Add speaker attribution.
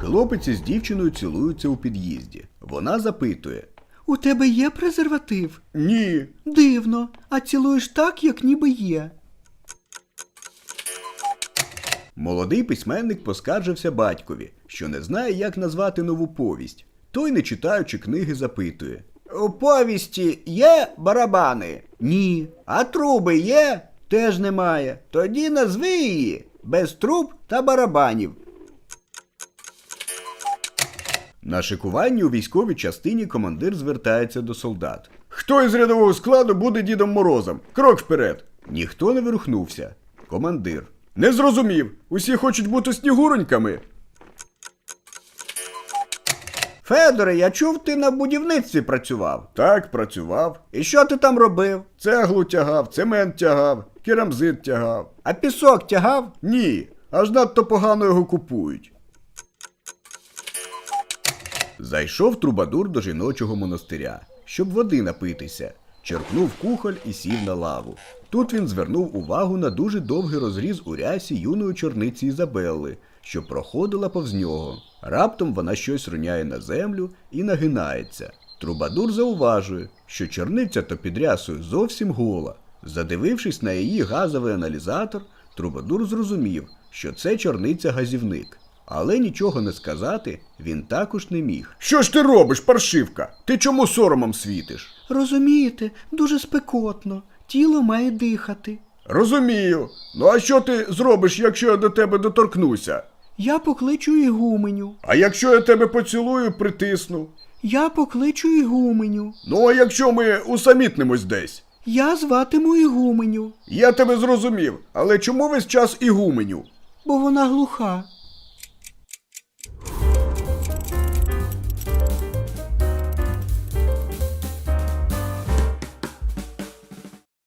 Speaker 1: Хлопець із дівчиною цілуються у під'їзді. Вона запитує.
Speaker 2: У тебе є презерватив?
Speaker 1: Ні.
Speaker 2: Дивно. А цілуєш так, як ніби є.
Speaker 1: Молодий письменник поскаржився батькові, що не знає, як назвати нову повість. Той, не читаючи книги, запитує. У повісті є барабани?
Speaker 2: Ні.
Speaker 1: А труби є?
Speaker 2: Теж немає.
Speaker 1: Тоді назви її без труб та барабанів. На шикуванні у військовій частині командир звертається до солдат. Хто із рядового складу буде Дідом Морозом? Крок вперед! Ніхто не вирухнувся. Командир. Не зрозумів. Усі хочуть бути снігуроньками. Федоре, я чув, ти на будівництві працював. Так, працював. І що ти там робив? Цеглу тягав, цемент тягав, керамзит тягав.
Speaker 2: А пісок тягав?
Speaker 1: Ні, аж надто погано його купують. Зайшов трубадур до жіночого монастиря, щоб води напитися. Черпнув кухоль і сів на лаву. Тут він звернув увагу на дуже довгий розріз у рясі юної чорниці Ізабелли, що проходила повз нього. Раптом вона щось роняє на землю і нагинається. Трубадур зауважує, що чорниця то під рясою зовсім гола. Задивившись на її газовий аналізатор, Трубадур зрозумів, що це чорниця-газівник. Але нічого не сказати він також не міг. Що ж ти робиш, паршивка? Ти чому соромом світиш?
Speaker 2: Розумієте, дуже спекотно. Тіло має дихати.
Speaker 1: Розумію. Ну а що ти зробиш, якщо я до тебе доторкнуся?
Speaker 2: Я покличу ігуменю.
Speaker 1: А якщо я тебе поцілую, притисну?
Speaker 2: Я покличу ігуменю.
Speaker 1: Ну а якщо ми усамітнимось десь?
Speaker 2: Я зватиму ігуменю.
Speaker 1: Я тебе зрозумів, але чому весь час ігуменю?
Speaker 2: Бо вона глуха.